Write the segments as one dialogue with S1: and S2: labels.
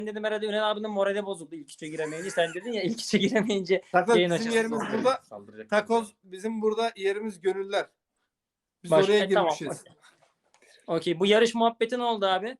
S1: dedim herhalde Ünal abinin morali bozuldu ilk üçe giremeyince. Sen dedin ya ilk üçe giremeyince
S2: Takoz
S1: yayın
S2: bizim
S1: açalım.
S2: yerimiz burada. Takoz bizim burada yerimiz gönüller. Biz oraya girmişiz.
S1: Tamam. Okey. Bu yarış muhabbeti ne oldu abi?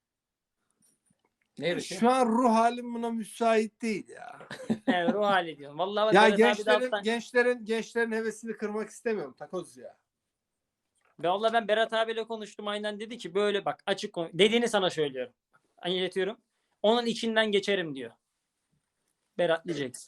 S1: Ne yarışı?
S2: Şu an ruh halim buna müsait değil ya.
S1: Evet, ruh hali diyorum. Vallahi
S2: Ya gençlerin hevesini kırmak istemiyorum Takoz ya.
S1: Vallahi ben Berat abiyle konuştum, aynen dedi ki böyle bak açık konu. Dediğini sana söylüyorum. Anlatıyorum. Onun içinden geçerim diyor. Berat diyeceksin.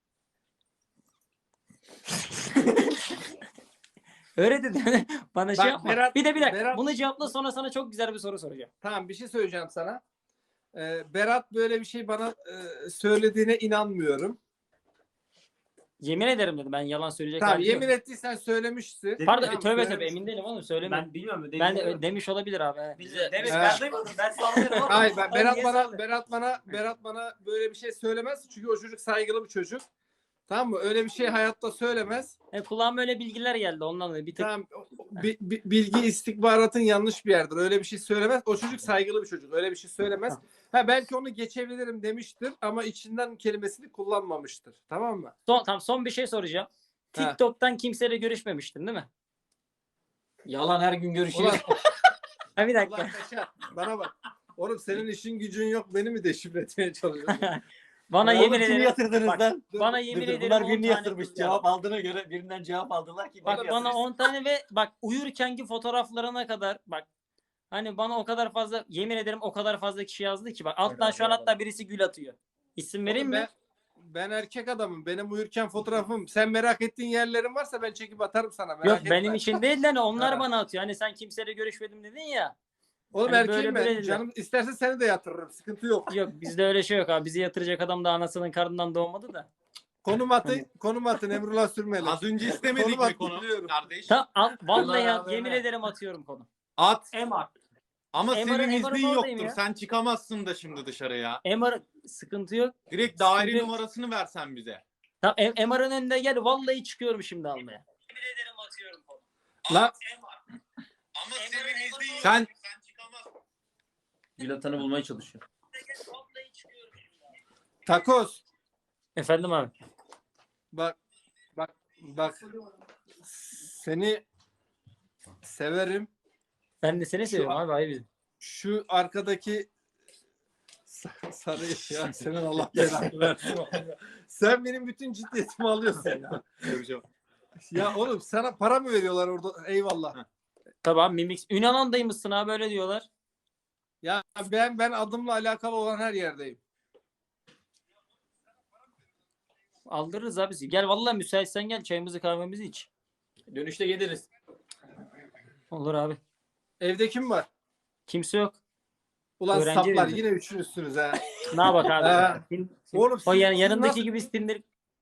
S1: Öyle dedi. Bana şey yapma. Bir dakika. Bunu cevapla, sonra sana çok güzel bir soru soracağım.
S2: Tamam, bir şey söyleyeceğim sana. Berat böyle bir şey bana söylediğine inanmıyorum.
S1: Yemin ederim dedi. Ben yalan söyleyecek
S2: Tamam,
S1: halim yok.
S2: yemin ettiysen söylemişsin.
S1: Pardon,
S2: Tamam,
S1: tövbe emin değilim oğlum, söylemiyorum.
S3: Ben bilmiyorum.
S1: Ben de demiş olabilir abi.
S3: Demiş, ben duymadım. Ben sallıyorum ama.
S2: Hayır, Berat bana böyle bir şey söylemez. Çünkü o çocuk saygılı bir çocuk. Tamam mı? Öyle bir şey hayatta söylemez.
S1: Kulağıma öyle bilgiler geldi ondan dolayı. Bir tık...
S2: Tamam, bilgi istihbaratın yanlış bir yerdir. Öyle bir şey söylemez. O çocuk saygılı bir çocuk. Öyle bir şey söylemez. Belki onu geçebilirim demiştir ama içinden kelimesini kullanmamıştır. Tamam mı?
S1: Son bir şey soracağım. TikTok'tan kimseyle görüşmemiştin değil mi?
S3: Yalan, her gün görüşüyoruz.
S1: Bir dakika.
S2: Allah kaçar. Bana bak. Oğlum senin işin gücün yok. Beni mi deşifre etmeye çalışıyorsun?
S1: Bana yemin ederim.
S3: Yatırdınız lan.
S1: Bana yemin ederim.
S3: Bunlar birini yatırmış. Cevap aldığına göre birinden cevap aldılar ki.
S1: Bak bana 10 tane ve bak uyurkenki fotoğraflarına kadar bak. Hani bana o kadar fazla, yemin ederim o kadar fazla kişi yazdı ki bak. Alttan şu an hatta birisi gül atıyor. İsim vereyim mi?
S2: Ben erkek adamım. Benim uyurken fotoğrafım. Sen merak ettiğin yerlerin varsa ben çekip atarım sana.
S1: Yok benim için değil de onlar bana atıyor. Hani sen kimseyle görüşmedim dedin ya.
S2: Oğlum
S1: hani
S2: erkeğim ben. Canım istersen seni de yatırırım. Sıkıntı yok.
S1: Yok bizde öyle şey yok abi. Bizi yatıracak adam da anasının karnından doğmadı da.
S2: Konum atın Emrullah Sürmeli.
S4: Az önce istemedik mi konu kardeş?
S1: Vallahi yemin ederim atıyorum konu.
S4: At.
S1: Emar.
S4: Ama senin iznin yoktur.
S1: Ya.
S4: Sen çıkamazsın da şimdi dışarıya.
S1: Emar sıkıntı yok.
S4: Direkt daire numarasını versen bize.
S1: Tamam Emar'ın önünde gel. Vallahi çıkıyorum şimdi almaya. Yemin ederim atıyorum konu.
S2: La.
S4: Ama senin iznin yok. Sen çıkamazsın.
S3: Gül atanı bulmaya çalışıyor.
S2: Takoz.
S1: Efendim abi.
S2: Bak. Seni severim.
S1: Ben de seni seviyorum abi. Hayır bizim.
S2: Şu arkadaki sarı ya senin Allah belanı versin. Sen benim bütün ciddiyetimi alıyorsun ya. Ya oğlum sana para mı veriyorlar orada? Eyvallah.
S1: Tamam Mimix. Ünalan'daymışsın abi, öyle diyorlar.
S2: Ya ben adımla alakalı olan her yerdeyim.
S1: Aldırırız abi. Gel vallahi müsaitsen gel, çayımızı kahvemizi iç.
S3: Dönüşte geliriz.
S1: Olur abi.
S2: Evde kim var?
S1: Kimse yok.
S2: Ulan
S1: Öğrenci
S2: saplar
S1: evinde.
S2: yine üçünüzsünüz ha.
S1: Ne bak abi.
S2: Oğlum
S1: o yanındaki
S2: nasıl...
S1: gibi Tinder.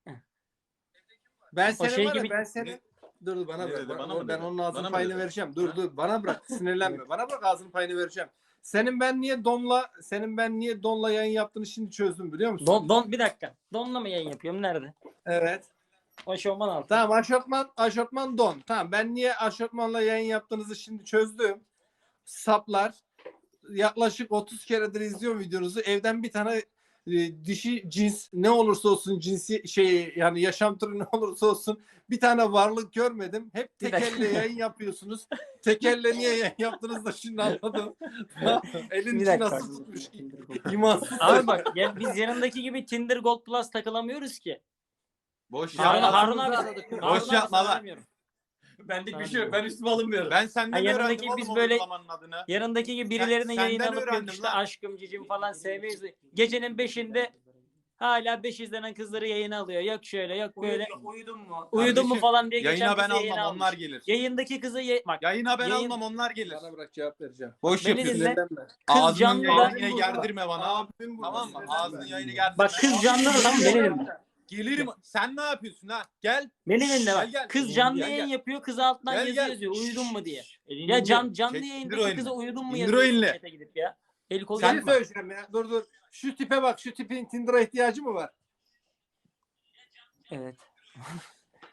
S2: Ben senin
S1: şey
S2: var ya,
S1: gibi...
S2: ben senin... Dur bana bırak. Ben onun ağzının
S4: bana
S2: payını vereceğim. Dur bana bırak. Sinirlenme. Bana bırak, ağzının payını vereceğim. Senin ben niye Don'la yayın yaptığını şimdi çözdüm biliyor musun?
S1: Don bir dakika. Don'la mı yayın yapıyorum? Nerede?
S2: Evet.
S1: Aşortman altı.
S2: Tamam, aşortman Don. Tamam, ben niye aşortmanla yayın yaptığınızı şimdi çözdüm. Saplar. Yaklaşık 30 keredir izliyorum videonuzu. Evden bir tane dişi cins, ne olursa olsun cinsi yani yaşam türü ne olursa olsun bir tane varlık görmedim. Hep tek elle yayın yapıyorsunuz. Tek elle niye yayın yaptınız da şimdi anladım. Elin içi nasıl tutmuş? İmansız.
S1: Abi bak biz yanındaki gibi Tinder Gold Plus takılamıyoruz ki.
S4: Boş yapma.
S1: Harun abi.
S4: Boş yapma lan.
S3: Benlik bir şey yok. Ben üstüme alınmıyorum.
S4: Ben senden öğrendim
S1: biz
S4: oğlum
S1: böyle
S4: adını.
S1: yanındaki gibi birilerinin yayını alıp
S4: öğrendim
S1: işte
S4: lan.
S1: aşkım cicim falan sevmeyiz. Gecenin 5'inde hala 5 izlenen kızları yayına alıyor. Yok şöyle yok böyle. Uyudun mu falan diye geçen
S4: yayına ben
S1: kızı yayına
S4: almam,
S1: almış.
S4: onlar gelir.
S1: Yayındaki kızı bak.
S4: Yayına ben almam, onlar gelir.
S2: Bana bırak, cevap vereceğim.
S4: Boş
S1: Beni
S4: yapıyorsun.
S1: dinle.
S2: Sinirlenme.
S1: Kız
S4: Ağzının
S1: canlı
S4: yayını gerdirme bana.
S2: Abim bu.
S4: Tamam mı? Ağzının yayını gerdirme.
S1: Bak kız canlı adam benim.
S4: Gelirim. Sen ne yapıyorsun ha? Gel.
S1: Beni dinle bak.
S4: Gel.
S1: Kız canlı
S4: Gel,
S1: yayın
S4: gel.
S1: yapıyor. Kız altından
S4: Gel,
S1: yazı
S4: gel.
S1: yazıyor. Uyudun mu diye.
S4: Elini
S1: Ya
S4: indir.
S1: canlı
S4: Çek, indir o
S1: yayındaki
S4: elini.
S1: kıza uyudun mu
S4: İndir o elini.
S1: yazıyor. Gidip ya. El kolu
S2: Sen
S1: yapma.
S2: söyleyeceğim ya. Dur. Şu tipe bak. Şu tipin Tinder'a ihtiyacı mı var?
S1: Evet.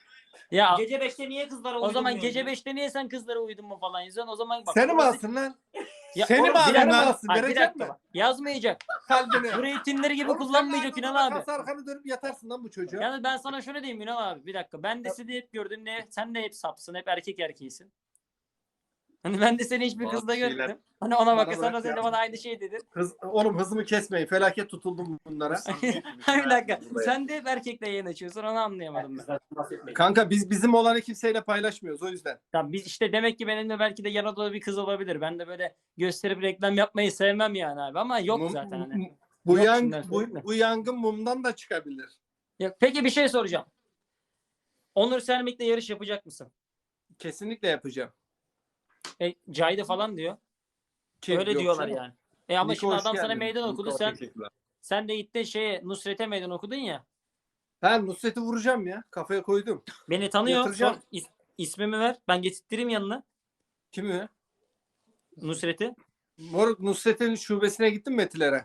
S1: Ya
S3: Gece 5'te niye kızlara
S1: o zaman
S3: uydurmuyorsun
S1: gece
S3: ya?
S1: 5'te niye sen kızlara uydun mu falan yazıyorsun? O zaman bak.
S2: Seni mi
S1: orası-
S2: alsın lan?
S1: Ya
S4: Seni
S1: oğlum,
S4: mi alsın
S1: bir dakika
S4: lan?
S1: bak. Hayır, bir
S2: Verecek
S1: dakika
S2: mi?
S1: bak. Yazmayacak.
S2: Kalbini.
S1: Burayı Tinder gibi
S2: Oğlum sen
S1: kullanmayacak
S2: de
S1: Ünal
S2: ağzına
S1: abi.
S2: bakarsa arkanı dönüp yatarsın lan bu çocuğa.
S1: Yani ben sana şöyle diyeyim Ünal abi. Bir dakika. Ben de sizi hep gördüm. Sen de hep sapsın. Hep erkek erkeğisin. Hani ben de seni hiçbir
S4: Bazı
S1: kızla
S4: şeyler-
S1: görmedim. Hani ona
S2: Bana
S1: bak sen
S2: bırak
S1: de
S2: ya.
S1: bana aynı şey dedin.
S2: Oğlum hızımı kesmeyin. Felaket tutuldum bunlara.
S1: Bir dakika. Sen de hep erkekle yayın açıyorsun. Onu anlayamadım ben.
S2: Kanka bizim olanı kimseyle paylaşmıyoruz o yüzden.
S1: Tamam, biz işte demek ki benimle belki de yan odada bir kız olabilir. Ben de böyle gösterip reklam yapmayı sevmem yani abi. Ama yok
S2: Mum-
S1: zaten hani.
S2: Bu,
S1: Yok
S2: yang,
S1: şimdiden söyleyeyim de.
S2: bu yangın mumdan da çıkabilir.
S1: Yok. Peki bir şey soracağım. Onur Sermik'le yarış yapacak mısın?
S2: Kesinlikle yapacağım.
S1: Cahide falan diyor.
S2: Kim?
S1: Öyle
S2: Yok
S1: diyorlar
S2: canım.
S1: yani. Ama
S2: Niko,
S1: şimdi
S2: hoş
S1: adam sana
S2: geldin.
S1: meydan okudu.
S4: Niko,
S1: Sen
S4: teşekkürler.
S1: sen de gittin Nusret'e meydan okudun ya.
S2: Ben Nusret'i vuracağım ya. Kafaya koydum.
S1: Beni tanıyor.
S2: Yatıracağım.
S1: İsmimi ver. Ben getirttireyim yanına.
S2: Kimi?
S1: Nusret'i.
S2: Moruk Nusret'in şubesine gittin mi Etiler'e?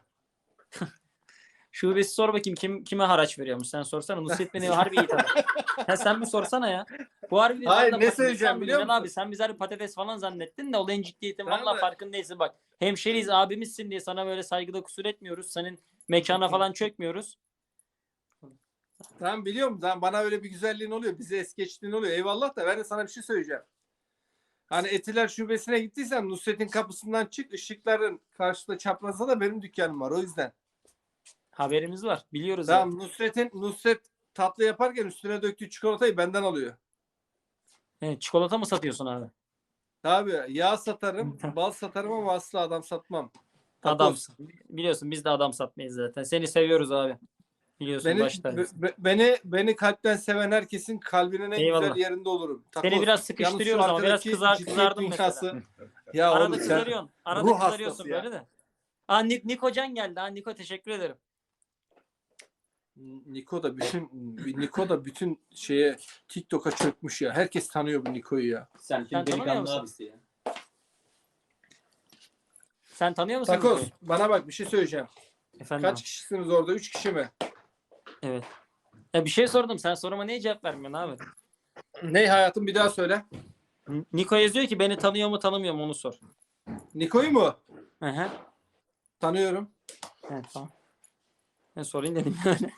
S1: Şubesi sor bakayım kime haraç veriyormuş. Sen sorsana. Nusret beni harbi iyi tanır. Sen bir sorsana ya. Bu harbi
S2: Hayır,
S1: vallahi
S2: ne
S1: bak,
S2: söyleyeceğim
S1: insan
S2: biliyor
S1: Ünal
S2: musun?
S1: Abi sen bizi harbi patates falan zannettin de olayın ciddiyetin
S2: Tamam
S1: vallahi
S2: da-
S1: farkındayız bak. Hemşeriyiz abimizsin diye sana böyle saygıda kusur etmiyoruz. Senin mekana falan çökmüyoruz.
S2: Tamam biliyorum. Tamam, bana öyle bir güzelliğin oluyor. Bize es geçtiğin oluyor. Eyvallah da ben de sana bir şey söyleyeceğim. Hani Etiler şubesine gittiysen Nusret'in kapısından çık. Işıkların karşısında çaprazda da benim dükkanım var. O yüzden.
S1: Haberimiz var. Biliyoruz ya.
S2: Tamam Nusret tatlı yaparken üstüne döktüğü çikolatayı benden alıyor.
S1: Evet, çikolata mı satıyorsun abi?
S2: Tabii yağ satarım, bal satarım ama asla adam satmam. Takoz.
S1: Adamsın. Biliyorsun biz de adam satmayız zaten. Seni seviyoruz abi. Biliyorsun
S2: Beni,
S1: başta.
S2: beni kalpten seven herkesin kalbinin en
S1: Eyvallah.
S2: güzel yerinde olurum.
S1: Seni
S2: Takoz.
S1: biraz
S2: Yalnız
S1: sıkıştırıyoruz
S2: şu
S1: ama biraz
S2: arkadaki ciddiyet
S1: kızardım mesela.
S2: dünyası- Ya
S1: Arada
S2: oğlum sen
S1: kızarıyorsun. Arada
S2: ruh
S1: kızarıyorsun
S2: hastası ya.
S1: böyle de. Aa Niko Can geldi. Niko teşekkür ederim.
S2: Niko da bütün şeye TikTok'a çökmüş ya. Herkes tanıyor bu Niko'yu ya.
S3: Sen
S1: Sen tanımıyor
S3: delikanlı
S1: musun?
S3: abisi ya.
S1: Sen tanıyor musun
S2: Takoz
S1: Niko'yu?
S2: bana bak bir şey söyleyeceğim.
S1: Efendim
S2: Kaç
S1: abi?
S2: kişisiniz orada? 3 kişi mi?
S1: Evet. Ya bir şey sordum. Sen soruma niye cevap vermiyorsun abi?
S2: Ne hayatım bir daha söyle.
S1: Niko yazıyor ki beni tanıyor mu tanımıyor mu onu sor.
S2: Niko'yu mu?
S1: Hı hı.
S2: Tanıyorum.
S1: Evet tamam. Ben sorayım dedim yani.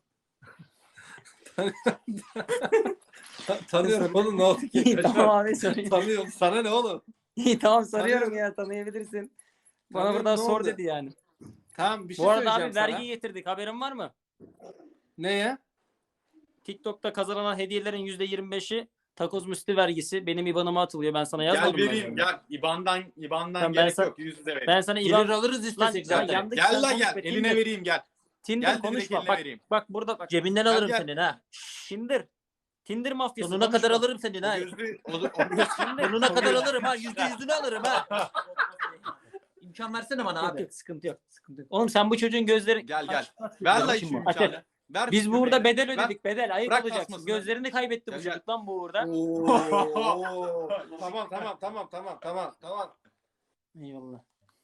S2: Tanıyorum oğlum ne oldu ki?
S1: İyi tamam abi sorayım.
S2: Tanıyorum. Sana ne oğlum?
S1: İyi tamam soruyorum
S2: Tanıyorum.
S1: ya tanıyabilirsin. Bana
S2: Tanıyorum,
S1: buradan
S2: ne
S1: sor
S2: oldu?
S1: dedi yani.
S2: Tamam bir şey
S1: Bu arada
S2: söyleyeceğim
S1: abi
S2: sana.
S1: vergi getirdik. Haberin var mı?
S2: Ne ya?
S1: TikTok'ta kazanılan hediyelerin %25'i takoz müslü vergisi. Benim IBAN'ıma atılıyor. Ben sana
S4: Gel
S1: yazmadım mı?
S4: vereyim gel. İban'dan
S1: Tamam, ben
S4: gerek
S1: sana-
S4: yok. Yüz yüze vereyim.
S1: Ben sana IBAN...
S3: Gelir alırız
S1: Lan
S3: istesek
S1: sen
S3: zaten.
S1: yandık,
S4: Gel
S1: sen
S4: la
S1: konuş
S4: gel.
S1: be,
S4: Eline
S1: Tinder.
S4: vereyim gel.
S1: Tinder
S4: Gel
S1: konuşma.
S4: direkt
S1: Bak,
S4: eline vereyim.
S1: bak burada bak.
S3: Cebinden
S4: Gel,
S3: alırım
S4: gel.
S3: senin ha.
S1: Tinder. Tinder mafyası.
S3: Sonuna kadar
S1: konuşma.
S3: alırım senin ha.
S4: Gözlü
S3: Sonuna kadar alırım ha. %100'ünü alırım ha. İmkan versene bana
S1: Yok,
S3: abi.
S1: yok, sıkıntı yok. Sıkıntı yok. Oğlum sen bu çocuğun gözleri...
S4: Gel, gel.
S1: Aç, aç.
S4: ver la
S1: Aç,
S4: şu
S1: aç.
S4: imkanı. Ver
S1: Biz
S4: şu
S1: burada
S4: göbeği.
S1: bedel
S4: Ver.
S1: ödedik bedel. Ayıp
S4: Bırak
S1: olacaksın.
S4: basmasını.
S1: Gözlerini kaybetti bu
S4: Gel, gel.
S1: çocuk lan bu uğurda.
S2: Oo. Tamam.
S1: Eyvallah.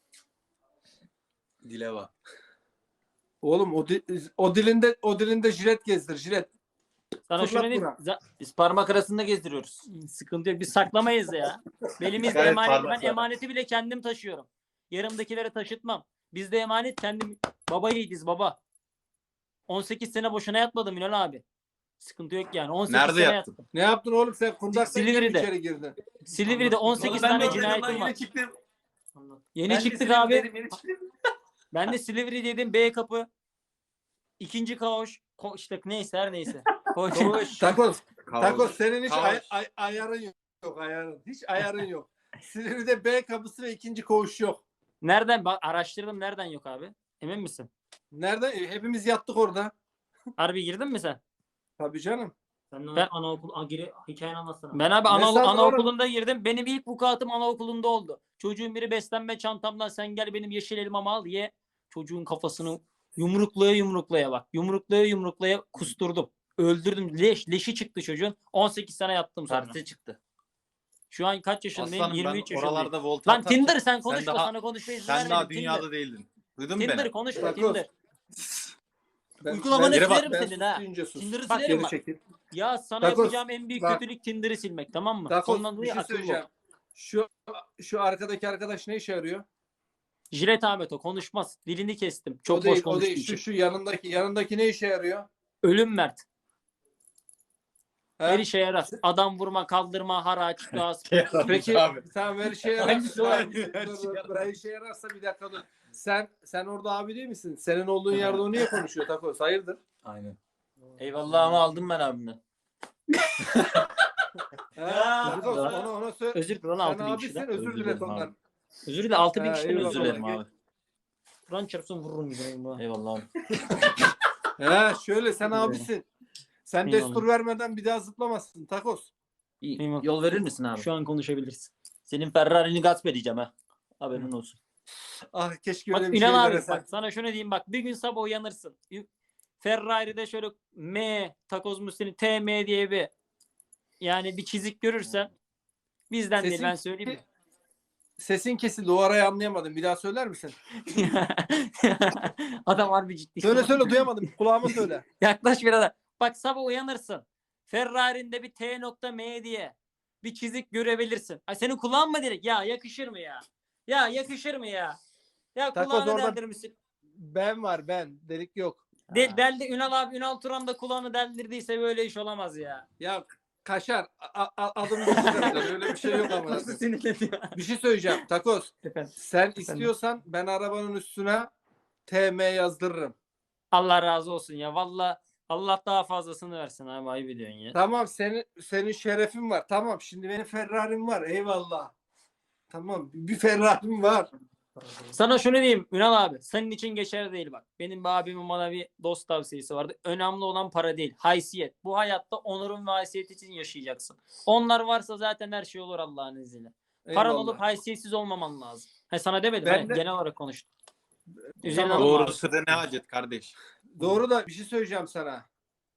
S4: Dile bak.
S2: Oğlum o dilinde jilet gezdir jilet.
S1: Sana
S2: Fırlat
S1: şunu diyeyim.
S2: Burak.
S3: Biz parmak arasında gezdiriyoruz.
S1: Sıkıntı yok. Biz saklamayız ya. Belimizde
S4: Evet,
S1: emanet.
S4: pardon,
S1: Ben
S4: pardon.
S1: emaneti bile kendim taşıyorum. Yarımdakilere taşıtmam. Bizde emanet kendim. Baba yiğidiz baba. 18 sene boşuna yatmadım Ünal abi. Sıkıntı yok yani. 18
S4: Nerede
S1: sene
S4: yattın?
S1: yattım.
S2: Ne yaptın oğlum sen kundaktan
S1: Silivri'de.
S2: içeri girdin.
S1: Silivri'de 18
S3: Ben
S1: tane
S3: de
S1: cinayetim var.
S4: çıktım.
S1: Yeni çıktık abi. Ben de Silivri dedim B kapı. İkinci koğuş. İşte neyse her neyse. Koğuş.
S2: Takoz senin hiç
S4: Kaos.
S2: ayarın yok ayarın. Hiç ayarın yok. Silivri'de B kapısı ve ikinci koğuş yok.
S1: Nereden? Bak araştırdım nereden yok abi. Emin misin?
S2: Nerede? Hepimiz yattık orada.
S1: Harbi girdin mi sen?
S2: Tabii canım.
S1: Ben-
S3: anaokul hikayeni anlatsana.
S1: Ben abi
S2: Ne sandın
S1: anaokulunda girdim. Benim ilk vukuatım anaokulunda oldu. Çocuğun biri beslenme çantamdan sen gel benim yeşil elmamı al ye. Çocuğun kafasını yumruklaya bak. Yumruklaya kusturdum. Öldürdüm. Leşi çıktı çocuğun. 18 sene yattım sonra.
S3: Tersi çıktı.
S1: Şu an kaç yaşındayım?
S4: Aslanım
S1: 23
S4: ben
S1: yaşındayım.
S4: oralarda volta
S1: Lan
S4: atarken
S1: Tinder sen konuşma
S4: daha-
S1: sana konuşmaya izin
S4: Sen daha
S1: vermedim.
S4: dünyada
S1: Tinder.
S4: değildin. Duydun mu
S1: Tinder
S4: beni?
S1: konuşma
S2: Takoz.
S1: Tinder.
S3: Uygulamanı
S2: ben-
S3: silerim
S2: ben
S3: senin ha.
S2: sus deyince sus.
S3: Tinder'ı
S1: Bak,
S3: silerim
S2: Geri
S3: bak.
S2: çekil.
S1: Ya sana
S2: Takos,
S1: yapacağım en büyük
S2: bak.
S1: kötülük Tinder'ı silmek, tamam mı?
S2: Takos,
S1: Ondan
S2: bir
S1: dolayı
S2: şey
S1: akıllı ol.
S2: söyleyeceğim. Şu arkadaki arkadaş ne işe yarıyor?
S1: Jilet Ahmet o konuşmaz. Dilini kestim. Çok
S2: o değil,
S1: boş
S2: o
S1: konuştuğu
S2: değil.
S1: için.
S2: Şu yanındaki ne işe yarıyor?
S1: Ölüm Mert.
S2: He?
S1: Her işe yarar. Adam vurma, kaldırma, haraç, gaz.
S2: Peki tamam her işe yarar.
S3: Hangisi o?
S2: Her işe yararsa bir dakika dur. Sen orada abi değil misin? Senin olduğun yerde o niye konuşuyor Takos? Hayırdır?
S4: Aynen.
S3: Eyvallah ama aldım ben abimden.
S2: Takos ona söyle.
S1: Özür dilerim
S2: Sen
S1: 6000
S2: abisin
S1: kişiden.
S2: özür dile
S4: dilerim
S2: ondan.
S4: abi.
S1: Özür dilerim 6000 kişiden
S2: eyvallah.
S1: özür
S3: Özür
S1: dilerim.
S3: dilerim abi.
S1: Kur'an çarpsın vururum gibi.
S3: Eyvallah abi.
S2: Şöyle sen abisin. Sen
S1: Eyvallah.
S2: destur vermeden bir daha zıplamazsın Takos.
S3: İyi.
S1: Eyvallah.
S3: Yol verir misin abi?
S1: Şu an konuşabiliriz.
S3: Senin Ferrari'ni gasp edeceğim ha. Haberin olsun.
S2: Ah keşke
S1: Bak
S2: öyle bir şey
S1: Ünal abi
S2: veresen.
S1: bak sana şunu diyeyim bak bir gün sabah uyanırsın. Ferrari'de şöyle Takoz Musti'nin TM diye bir çizik görürsen bizden değil
S2: Sesin-
S1: ben söyleyeyim mi?
S2: Sesin kesildi o arayı anlayamadım. Bir daha söyler misin?
S1: Adam harbi ciddi.
S2: Söyle duyamadım. Kulağıma söyle.
S1: Yaklaş biraz da. Bak sabah uyanırsın. Ferrari'nde bir T.M diye bir çizik görebilirsin. Ay senin kulağın mı direkt? Ya yakışır mı ya? Ya yakışır mı ya? Ya
S2: Takoz
S1: kulağını
S2: orada-
S1: deldirmişsin.
S2: Ben var ben. Delik yok.
S1: Deldi Ünal abi Ünal Turan da kulağını deldirdiyse böyle iş olamaz ya.
S2: Ya Kaşar adımı geçiremezler. Öyle bir şey yok ama.
S1: Nasıl sinirleniyor?
S2: Bir şey söyleyeceğim. Takoz.
S1: Efendim.
S2: Sen istiyorsan ben arabanın üstüne TM yazdırırım.
S1: Allah razı olsun ya. Valla Allah daha fazlasını versin abi ayıp ediyorsun ya.
S2: Tamam senin şerefin var. Tamam şimdi benim Ferrari'm var. Eyvallah. Tamam bir Ferrari'm var.
S1: Sana şunu diyeyim Ünal abi. Senin için geçerli değil bak. Benim bir abimin bana bir dost tavsiyesi vardı. Önemli olan para değil. Haysiyet. Bu hayatta onurun ve haysiyet için yaşayacaksın. Onlar varsa zaten her şey olur Allah'ın izniyle. Paran
S2: Eyvallah.
S1: olup haysiyetsiz olmaman lazım. Sana demedim.
S2: Ben
S1: Ben
S2: de-
S1: genel olarak konuştum. Üzerine
S2: Tamam.
S1: alınma abi.
S4: Doğrusu da ne hacet kardeş.
S2: Doğru da bir şey söyleyeceğim sana.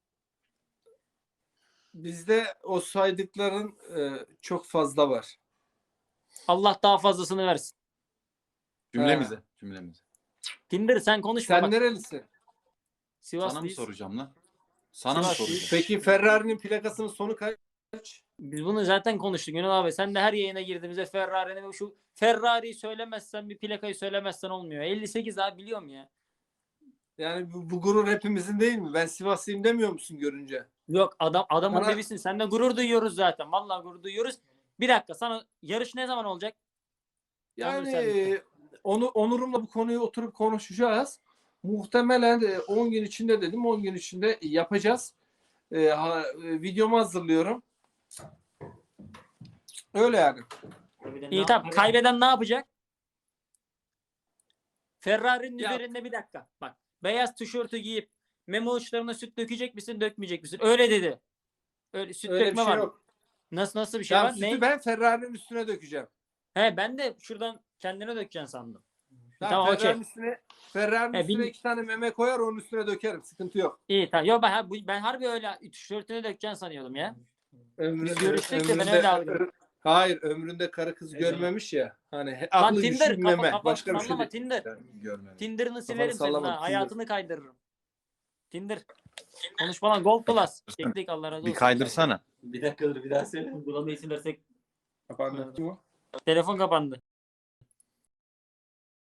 S2: Bizde o saydıkların çok fazla var.
S1: Allah daha fazlasını versin.
S4: Cümlemize.
S1: Tinder sen konuşma
S2: Sen
S1: bak.
S2: nerelisin?
S4: Sana mı
S1: Sivaslıyız.
S4: soracağım lan? Sana mı
S1: Sivaslıyız.
S4: soracağım?
S2: Peki Ferrari'nin plakasının sonu kaç?
S1: Biz bunu zaten konuştuk Ünal abi. Sen de her yayına girdiğimizde Ferrari'nin şu Ferrari'yi söylemezsen bir plakayı söylemezsen olmuyor. 58 abi biliyorum ya.
S2: Yani bu gurur hepimizin değil mi? Ben Sivaslıyım demiyor musun görünce?
S1: Yok adamın
S2: Bana-
S1: devisin. Sen de gurur duyuyoruz zaten. Vallahi gurur duyuyoruz. Bir dakika sana yarış ne zaman olacak?
S2: Yani Onur'umla bu konuyu oturup konuşacağız. Muhtemelen 10 gün içinde dedim. 10 gün içinde yapacağız. Videomu hazırlıyorum. Öyle yani.
S1: İyi tamam. Kaybeden ne yapacak? Ferrari'nin
S2: Ya-
S1: üzerinde bir dakika. Bak. Beyaz tişörtü giyip memo uçlarına süt dökecek misin, dökmeyecek misin? Öyle dedi. Öyle süt
S2: Öyle bir
S1: dökme
S2: şey
S1: var.
S2: yok.
S1: Nasıl bir şey
S2: Ya
S1: var?
S2: sütü
S1: Ne?
S2: ben Ferrari'nin üstüne dökeceğim.
S1: He ben de şuradan kendine dökeceksin sandım.
S2: Ben
S1: Tamam, okey.
S2: Ferrari'nin
S1: He,
S2: üstüne
S1: bil-
S2: 2 tane meme koyar onun üstüne dökerim. Sıkıntı yok.
S1: İyi tamam. Yo ben harbi öyle tişörtüne dökeceksin sanıyordum ya.
S2: Ömründe,
S1: görüştük de ben öyle algıladım.
S2: Hayır ömründe karı kız görmemiş ya. Hani
S1: Lan
S2: aklı
S1: Tinder
S2: düşün meme.
S1: kafa
S2: Başka bir şey
S1: sallama
S2: değil.
S1: Tinder.
S4: Ben görmedim.
S1: Tinder'ını silerim senin
S2: sallama,
S1: ha.
S2: Tinder.
S1: Hayatını kaydırırım. Tinder. Konuşma lan Gold Plus. Teknik Allah razı
S4: Bir
S1: olsun.
S4: kaydırsana.
S3: Bir dakika dur bir daha söyle.
S1: Buranın isim versek
S2: Kapandı.
S1: telefon kapandı.